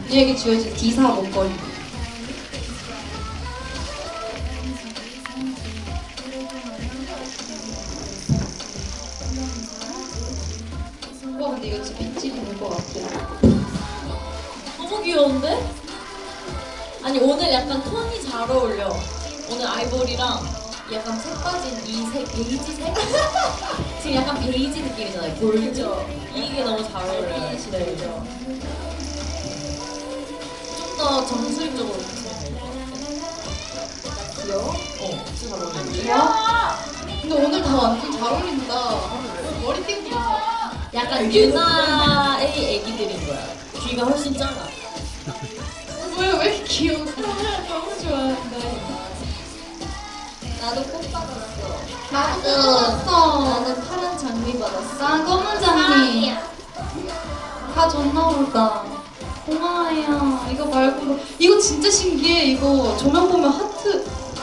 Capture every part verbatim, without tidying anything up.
우리에게 주어진 디사 목걸이. 와 근데 이거 진짜 빗질이 될 것 같아. 너무 귀여운데? 아니 오늘 약간 톤이 잘 어울려. 오늘 아이보리랑 약간 색 빠진 이 색, 베이지색? 지금 약간 베이지 느낌이잖아요. 골드. 이게 너무 잘 어울려요. 네. 좀 더 정수리적으로 붙이면 될 것 같아. 귀여워? 어, 진짜 잘 어울리는데? 귀여워? 근데 오늘 다 완전 잘 어울린다. 머리띠부터. 약간 유나의 애기들인 거야. 귀가 훨씬 작아. 왜, 왜 이렇게 귀여워? 너무 좋아한다. 나도 꽃 받았어. 나도 받았어. 나는 파란 장미 받았어. 난 검은 장미. 다 줬나 보다. 고마워요. 이거 말고 이거 진짜 신기해. 이거 조명 보면 하트.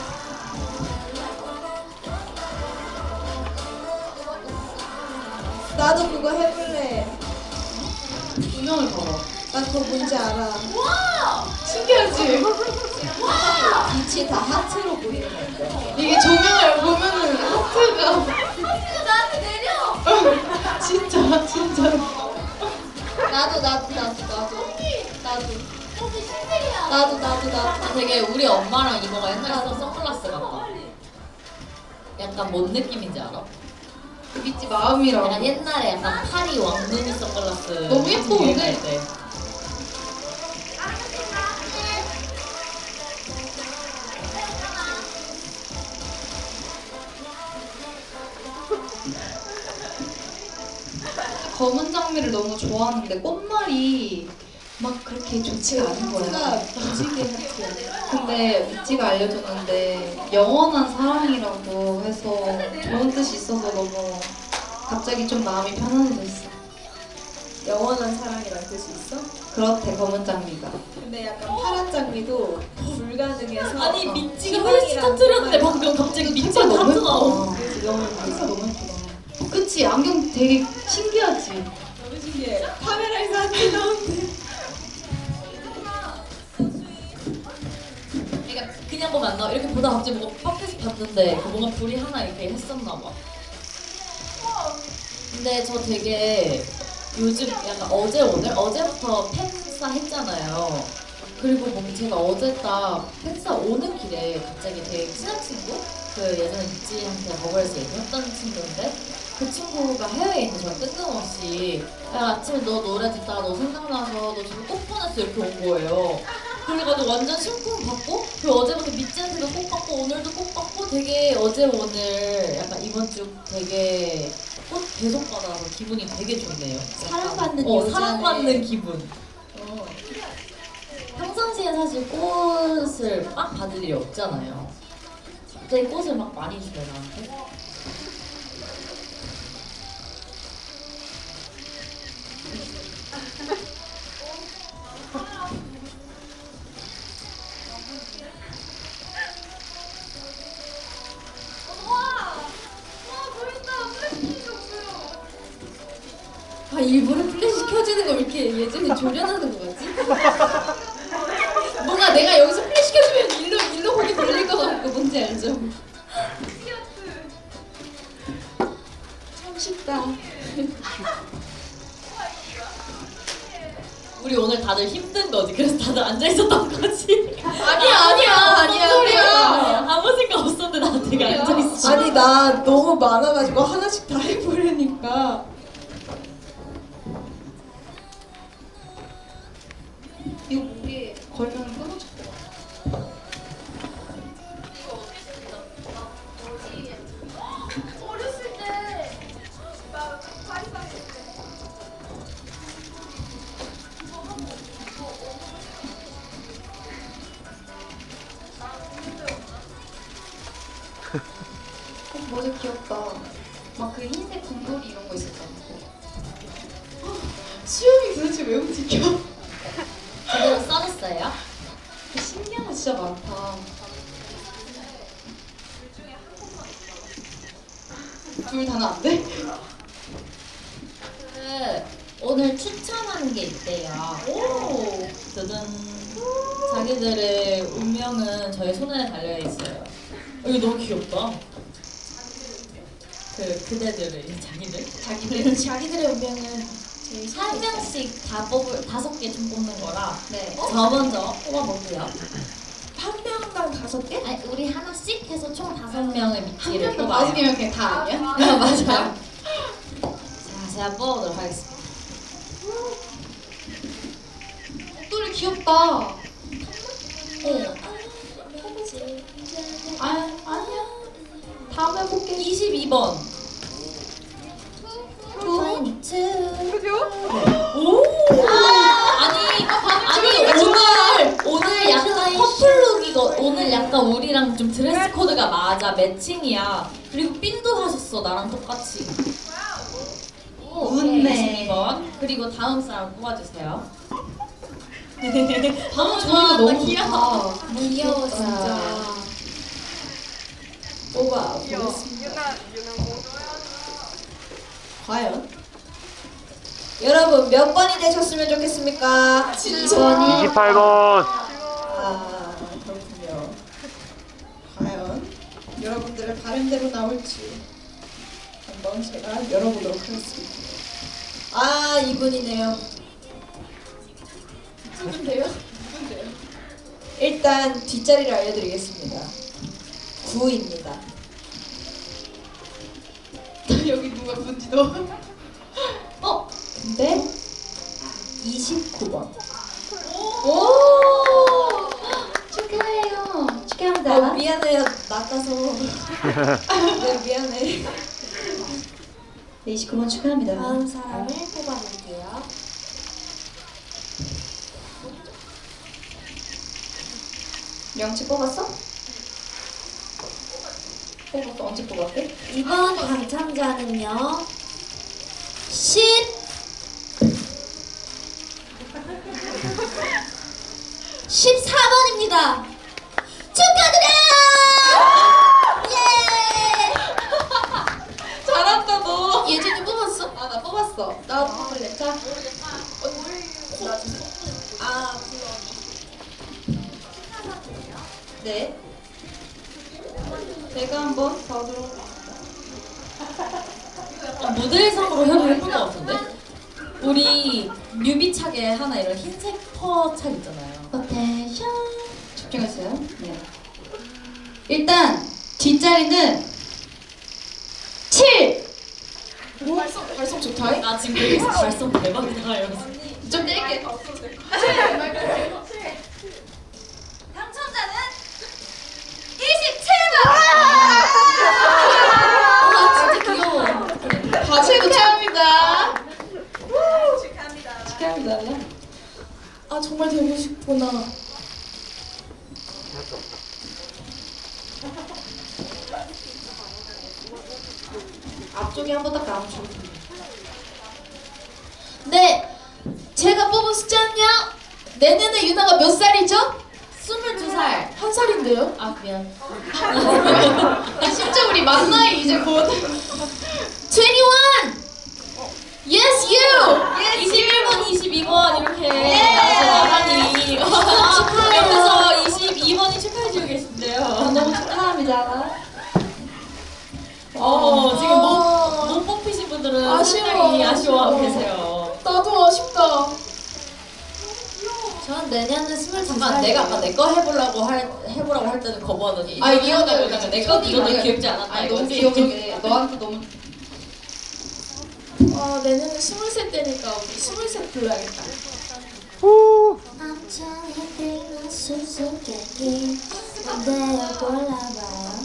나도 그거 해볼래. 조명을 봐봐. 나 그거 뭔지 알아. 신기하지? 빛이 다 하트로 보이는 건데. 이게 조명을 보면은 하트가 나한테 내려! 진짜 진짜. 나도 나도 나도 나도 나도 나도 나도 나도. 되게 우리 엄마랑 이모가 옛날에 쓰던 선글라스 같다. 약간 뭔 느낌인지 알아? 그 빛이 마음이라고. 약간 옛날에 약간 파리 왕눈이 선글라스. 너무 예뻐, 유행할 근데. 때. 검은 장미를 너무 좋아하는데 꽃말이 막 그렇게 좋지가 않은 하트가 거야. 무지개 하트야. 근데 미찌가 알려줬는데 영원한 사랑이라고 해서 좋은 뜻이 있어서 너무 갑자기 좀 마음이 편안해졌어. 영원한 사랑이란 뜻이 있어? 그렇대 검은 장미가. 근데 약간 파란 장미도 불가능해서. 아니 어, 미찌가 훨씬 희망이란 터트렸는데 뜻만 방금 갑자기 미찌가 색깔 너무 하트 나오. 예쁘다. 너무 색깔 너무 예쁘다. 그치? 안경 되게 신기하지? 너무 신기해. 카메라에서 하트 나오는데. 그러니까 그냥 보면 안 나와. 이렇게 보다 갑자기 뭐가 밖에서 봤는데 그 뭔가 불이 하나 이렇게 했었나 봐. 근데 저 되게 요즘 약간 어제 오늘 어제부터 팬싸 했잖아요. 그리고 뭔가 제가 어제 딱 팬싸 오는 길에 갑자기 되게 친한 친구 그 예전에 미찌한테 버거에서 얘기했던 친구인데 그 친구가 해외에 있는 저랑 뜬금없이 야 아침에 너 노래 듣다가 너 생각나서 너 지금 꽃 보냈어 이렇게 온 거예요. 그래가지고 완전 심쿵 받고 그리고 어제부터 미찌한테도 꽃 받고 오늘도 꽃 받고 되게 어제 오늘 약간 이번 주 되게 꽃 계속 받아서 기분이 되게 좋네요. 사랑받는 어, 여자네. 사랑받는 기분. 어. 평상시에 사실 꽃을 막 받을 일이 없잖아요. 갑자기 꽃을 막 많이 주요 나한테. 아 일부러 플래시 켜지는 거 이렇게 예전에 조련하는 거 같지? 뭔가 내가 여기서 플래시 켜주면 일로 일로 거기 돌릴 것 같고 뭔지 알죠? 참 쉽다. 우리 오늘 다들 힘든 거지. 그래서 다들 앉아 있었던 거지. 아니야 아니야 아니야 아니야. 아무 생각 없었는데 나 되게 앉아 있어. 아니 나 너무 많아가지고 하나씩 다 해보려니까. 이거 목에 걸면 끊어질 것 같아. 어렸을 때 막 파리빵 때 어, 모자 귀엽다. 막 그 흰색 곰돌이 이런 거 있었잖아. 수영이 도대체 왜 움직여? 제대로 써줬어요? 신기한 거 진짜 많다. 둘 다는 안 돼? 그 오늘 추천하는 게 있대요. 오. 두둔. 자기들의 운명은 저희 손에 달려 있어요. 어, 이거 너무 귀엽다. 그 그대들의 이제 자기들. 자기들 자기들의 운명은 제일 한 명씩 다 뽑을 다섯 개 좀 뽑는 거라. 네. 저 먼저 뽑아볼게요. 한 명당 다섯 개? 아니 우리 하나씩 해서 총 다섯 명의 한 미끼를 명당 뽑아요. 다섯 개면 그냥 다 아니야? 네, 맞아요. 자, 제가 뽑아보도록 하겠습니다. 목도리 귀엽다. 네. 아, 아니야. 다음에 볼게. 이십이 번. 오. 아니, 아니 오늘 오늘 약간 커플룩이거 오늘 약간 우리랑 좀 드레스 코드가 맞아 매칭이야. 그리고 핀도 하셨어 나랑 똑같이. 웃네. 이십이 번. 그리고 다음 사람 뽑아주세요. 방금 저 저희가 너무 귀여워. 좋다. 귀여워 진짜. 뽑아 귀여워. 보겠습니다. 유나 유나 뭐? 과연 여러분 몇 번이 되셨으면 좋겠습니까? 칠 번이. 이십팔 번. 아 그렇군요. 과연 여러분들의 바람대로 나올지 한번 제가 열어보도록 하겠습니다. 아 이분이네요. 누군데요? 누군데요? 일단 뒷자리를 알려드리겠습니다. 구입니다. 여기 누가 뭔지도. 어? 근데 이십구 번. 오! 축하해요. 축하합니다. 어, 미안해요. 낚아서. 네, 미안해. 네, 이십구 번 축하합니다. 다음 사람을 뽑아볼게요. 명치 뽑았어? 뽑았어. 언제 뽑았대? 이번 당첨자는요. 십 십사 번입니다. 축하드려요! 예! 잘한다 너. 예준이 뽑았어? 아, 나 뽑았어. 나 뽑을래. 자. 아, 네. 내가 한번 봐도록. 어, 모델상으로 해도 예쁠 것 같은데? 우리 뮤비 착에 하나 이런 흰색 퍼 착 있잖아요. 포텐션. 집중했어요. 네. 일단 뒷자리는 칠. 오, 발성, 발성 좋다. 나 지금 여기서 발성 대박이다 이러면서. 좀 뗄게. 당첨자는 이십칠 번! 아 진짜 귀여워. 다 축하합니다. 축하합니다. 축하합니다. 아, 정말 되고 싶구나. 앞쪽에 한번 딱 나오죠. 네, 제가 뽑은 숫자는요. 내년에 유나가 몇 살이죠? 스물두 살. 한 살인데요? 아 미안. 진짜 우리 만 나이 이제 곧. 이십일! Yes, you! 이십일 번, 이십이 번 이렇게 나가니 옆에서 이십이 번이 축하해주고 계신데요. 너무 축하합니다. 어 지금 못, 못 뽑히신 분들은 아쉬워, 상당히 아쉬워하고 아쉬워. 계세요. 나도 아쉽다. 전 내년에 스물두 잠깐 살. 내가 아까 내 거 해보려고 할 해보라고 할 때는 거부하더니 아, 이거 이거는 하다고 그러면 내거 이거는 귀엽지 않았다. 아니 너무 이거지. 귀여운데 너한테 너무. 아, 내년에 스물셋 되니까 우리 스물셋 불러야겠다. 엄청 힘든 수수께끼 내가 골라봐요.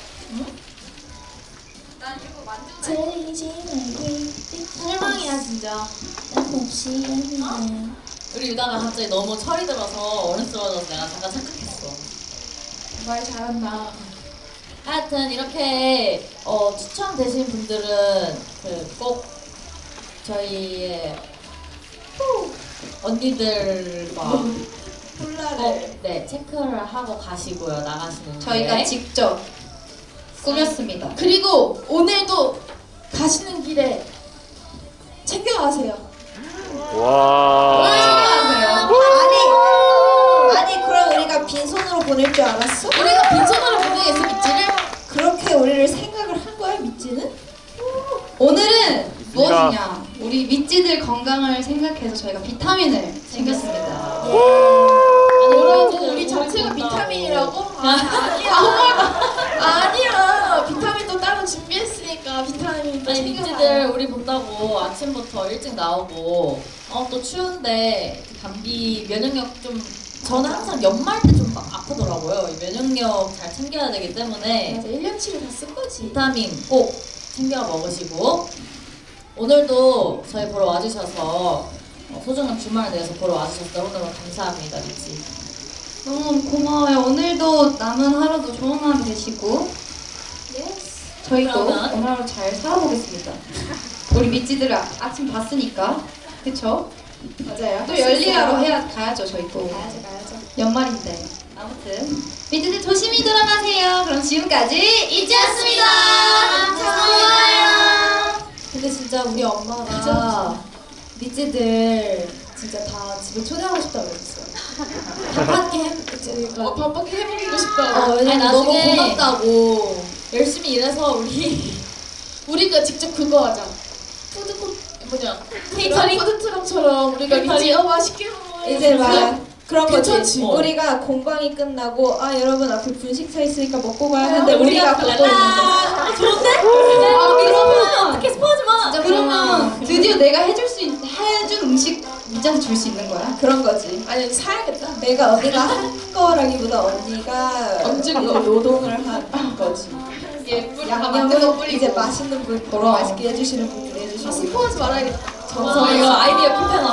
난 이거 만지고 들리지 말기 실망이야 진짜. 없이 예민해요. 우리 유다가 갑자기 너무 철이 들어서 어른스러워져서 내가 잠깐 착각했어. 말 잘한다. 하여튼 이렇게 어, 추첨되신 분들은 그 꼭 저희의 언니들과 콜라를. 꼭 네, 체크를 하고 가시고요 나가시는 저희가 길에. 직접 꾸몄습니다. 그리고 오늘도 가시는 길에 챙겨가세요. 와. 아니 아니 그럼 우리가 빈손으로 보낼 줄 알았어? 우리가 빈손으로 보내겠어 미찌를? 그렇게 우리를 생각을 한 거야 미찌는? 오늘은 무엇이냐? 우리 미찌들 건강을 생각해서 저희가 비타민을 챙겼습니다. 뭐라고? 우리 자체가 비타민이라고? 아, 아니야. 아니야. 비타민도 따로 준비했으니까 비타민도 아니 챙겨가요. 미찌들 우리 본다고 아침부터 일찍 나오고 어 또 추운데 감기 면역력 좀 저는 항상 연말 때 좀 아프더라고요. 이 면역력 잘 챙겨야 되기 때문에 맞아. 일 년치를 다 쓴 거지. 비타민 꼭 챙겨 먹으시고 오늘도 저희 보러 와주셔서 어, 소중한 주말을 내서 보러 와주셔서 너무너무 감사합니다 미찌. 너무 고마워요. 오늘도 남은 하루도 좋은 하루 되시고 저희도 그러면- 오늘 하루 잘 살아보겠습니다. 우리 미찌들 아, 아침 봤으니까 그쵸? 맞아요. 또 열일하러 해야 가야죠 저희 또 가야죠 가야죠. 연말인데 아무튼 미찌들 조심히 돌아가세요. 그럼 지금까지 이지였습니다. 고마워요. 근데 진짜 우리 엄마가 미찌들 진짜 다 집에 초대하고 싶다고 그랬어요. 바빠게 해, 저희가 어, 바쁘게 해보고 싶다고. 어, 왜냐면 아니, 너무 나중에- 고맙다고. 열심히 일해서 우리 우리가 직접 그거 하자. 푸드코 뭐냐? 케이터링? 푸드트럭처럼 우리가 케이터링? 미찌 어 맛있게 먹어. 이제 막 그런 거지. 괜찮지. 우리가 공방이 끝나고 아 여러분 앞에 분식차 있으니까 먹고 가야 아, 하는데 우리가 걷고 있는 거. 아, 좋은데? 아, 그러면 어떻게 스포하지 마. 진짜 그러면 드디어 내가 해줄 수 있, 해준 음식 미찌한테 줄 수 있는 거야? 그런 거지. 아니 사야겠다. 내가 언니가 한 거라기보다 언니가 얹은 방금 거. 노동을 한 거지. 예, 뿌리 다 만든 거 양념은 뿌리고. 이제 맛있는 분, 그럼. 맛있게 해주시는 분들이 해주시고. 아, 스포하지 말아야겠다. 저 이거 아이디어 캡해놔.